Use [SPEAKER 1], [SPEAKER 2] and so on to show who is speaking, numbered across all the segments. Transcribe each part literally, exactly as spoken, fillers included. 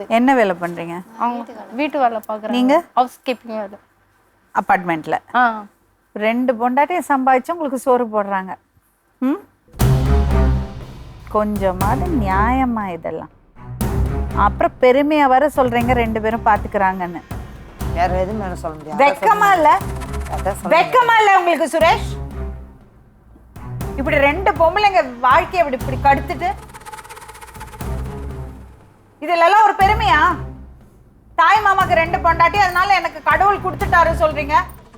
[SPEAKER 1] என்ன வேலை பண்றீங்க?
[SPEAKER 2] வீட்டு வேலை பார்க்குறேன்.
[SPEAKER 1] நீங்க
[SPEAKER 2] ஹவுஸ் கீப்பிங் வேலை.
[SPEAKER 1] அபார்ட்மெண்ட்ல.
[SPEAKER 2] ஆ
[SPEAKER 1] ரெண்டு பொண்டாட்டியை சம்பாதிச்சு உங்களுக்கு சோறு போடுறாங்க. ம் கொஞ்சமாவது நியாயமா இதெல்லாம்? அப்புறம் பெருமையா வர சொல்றீங்க ரெண்டு பேரும் பாத்துக்கிறாங்கன்னு.
[SPEAKER 3] வேற எதுவும் மேல சொல்ல முடியாது.
[SPEAKER 1] வெக்கமா இல்ல? வெக்கமா இல்ல உங்களுக்கு சுரேஷ்? இப்படி ரெண்டு பொம்பளைங்க வாழ்க்கையை இப்படி இப்படி கடுத்துட்டு இதுல ஒரு பெருமையா? தாய் மாமாக்கு ரெண்டு பொண்டாட்டி அதனால எனக்கு கடவுள் கொடுத்துட்டாரு சொல்றீங்க.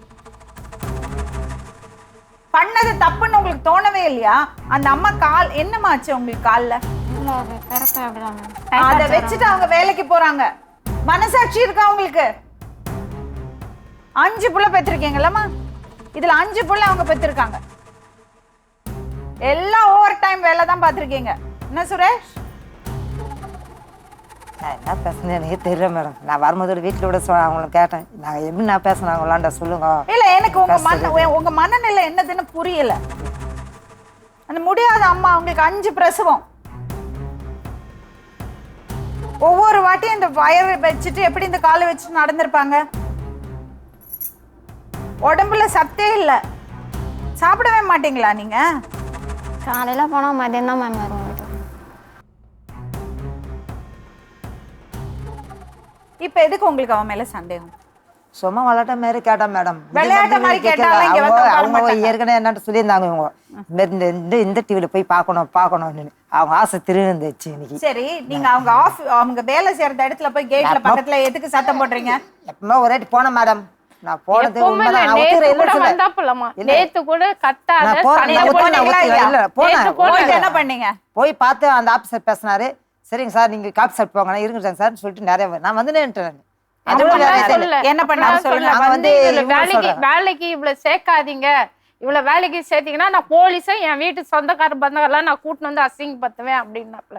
[SPEAKER 1] பண்ணது தப்புன்னு உங்களுக்கு தோணவே இல்லையா? அந்த அம்மா கால் என்னமாச்சு உங்களுக்கு கால்ல? அத வச்சுட்டு அவங்க வேலைக்கு போறாங்க. மனசாட்சி இருக்கா உங்களுக்கு? அஞ்சு புள்ள பெற்றிருக்கீங்களா? இதுல அஞ்சு புள்ள அவங்க பெற்றிருக்காங்க. எல்லாம் ஓவர் டைம் வேலை தான் பார்த்திருக்கீங்க. என்ன சுரேஷ்?
[SPEAKER 3] நான் என்ன பேசுனேன் எனக்கு தெரியல மேடம். நான் வரும்போது வீட்டில் விட சொ அவங்கள கேட்டேன். நாங்கள் எப்படி நான் பேசுனாங்களான்டா சொல்லுங்க.
[SPEAKER 1] இல்ல எனக்கு உங்க மன உங்க மனநிலை என்னதுன்னு புரியல. அந்த முடியாத அம்மா அவங்களுக்கு அஞ்சு பிரசவம். ஒவ்வொரு வாட்டியும் இந்த வயரை வச்சுட்டு எப்படி இந்த காலை வச்சுட்டு நடந்திருப்பாங்க? உடம்புல சத்தே இல்லை. சாப்பிடவே மாட்டீங்களா நீங்க?
[SPEAKER 4] காலையில போனா மதியம் தான் மேம் வருவோம்.
[SPEAKER 1] இப்ப எதுக்கு உங்களுக்கு அவன் மேல சந்தேகம்?
[SPEAKER 3] சும்மா விளையாட்ட மாதிரி கேட்டா மேடம்.
[SPEAKER 1] விளையாட்ட மாதிரி கேட்டாலும் இங்க வந்து
[SPEAKER 3] அவங்க ஏற்கனவே என்னட்டு சொல்லியிருந்தாங்க. இவங்க இந்த இந்த இந்த டிவில போய் பார்க்கணும் பார்க்கணும்னு அவங்க ஆசை திருந்துச்சு இன்னைக்கு.
[SPEAKER 1] சரி, நீங்க அவங்க ஆஃப் அவங்க வேலை செய்யற இடத்துல போய் கேட்ல பக்கத்துல எதுக்கு சத்தம் போடுறீங்க?
[SPEAKER 3] எப்பவுமே ஒரு வாட்டி போனேன் மேடம். நான் போனது
[SPEAKER 1] என்ன பண்ணீங்க?
[SPEAKER 3] போய் பார்த்து அந்த ஆபீசர் பேசினாரு. சரிங்க சார் நீங்க காப்பி சாப்பிட்டு போங்க இருங்க சார் சொல்லிட்டு நிறைய நான் வந்து
[SPEAKER 2] என்ன பண்ண வேலைக்கு வேலைக்கு இவ்வளவு சேர்க்காதீங்க. இவ்வளவு வேலைக்கு சேர்த்தீங்கன்னா நான் போலீஸை என் வீட்டு சொந்தக்கார பந்தங்கள்லாம் நான் கூட்டின்னு வந்து அசிங்கப்படுத்துவேன் அப்படின்னாப்ல.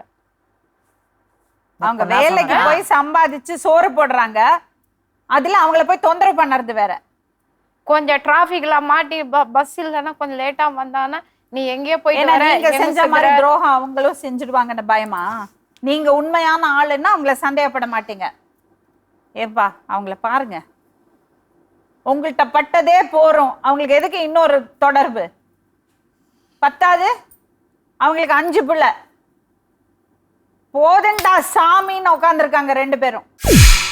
[SPEAKER 1] அவங்க வேலைக்கு போய் சம்பாதிச்சு சோறு போடுறாங்க. அதுல அவங்கள போய் தொந்தரவு பண்ணறது வேற.
[SPEAKER 2] கொஞ்சம் டிராபிக்ல மாட்டி பஸ் இல்லைன்னா கொஞ்சம் லேட்டா வந்தாங்கன்னா நீ எங்கேயோ போயிட்டு
[SPEAKER 1] நீங்க செஞ்ச மாதிரி துரோகம் அவங்களும் செஞ்சுடுவாங்கன்னு பயமா? நீங்க உண்மையான ஆளுன்னா அவங்கள சந்தேகப்பட மாட்டீங்க. ஏப்பா அவங்கள பாருங்க. உங்கள்கிட்ட பட்டதே போறோம். அவங்களுக்கு எதுக்கு இன்னொரு தொடர்பு? பத்தாது அவங்களுக்கு அஞ்சு பிள்ளை. போதண்டா சாமின்னு உட்காந்துருக்காங்க ரெண்டு பேரும்.